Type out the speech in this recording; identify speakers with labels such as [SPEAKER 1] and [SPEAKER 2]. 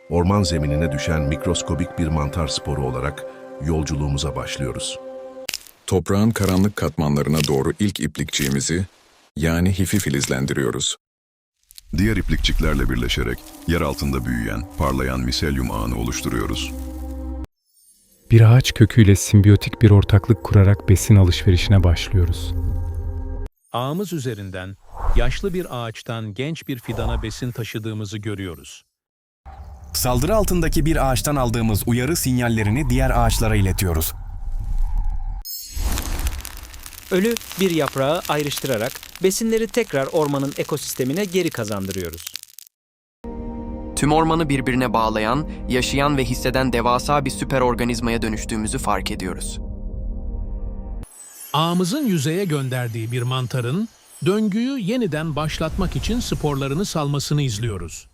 [SPEAKER 1] Orman zeminine düşen mikroskobik bir mantar sporu olarak yolculuğumuza başlıyoruz.
[SPEAKER 2] Toprağın karanlık katmanlarına doğru ilk iplikçiğimizi, yani hifi filizlendiriyoruz.
[SPEAKER 3] Diğer iplikçiklerle birleşerek yer altında büyüyen, parlayan miselyum ağını oluşturuyoruz.
[SPEAKER 4] Bir ağaç köküyle simbiyotik bir ortaklık kurarak besin alışverişine başlıyoruz.
[SPEAKER 5] Ağımız üzerinden yaşlı bir ağaçtan genç bir fidana besin taşıdığımızı görüyoruz.
[SPEAKER 6] Saldırı altındaki bir ağaçtan aldığımız uyarı sinyallerini diğer ağaçlara iletiyoruz.
[SPEAKER 7] Ölü bir yaprağı ayrıştırarak besinleri tekrar ormanın ekosistemine geri kazandırıyoruz.
[SPEAKER 8] Tüm ormanı birbirine bağlayan, yaşayan ve hisseden devasa bir süper organizmaya dönüştüğümüzü fark ediyoruz.
[SPEAKER 5] Ağımızın yüzeye gönderdiği bir mantarın döngüyü yeniden başlatmak için sporlarını salmasını izliyoruz.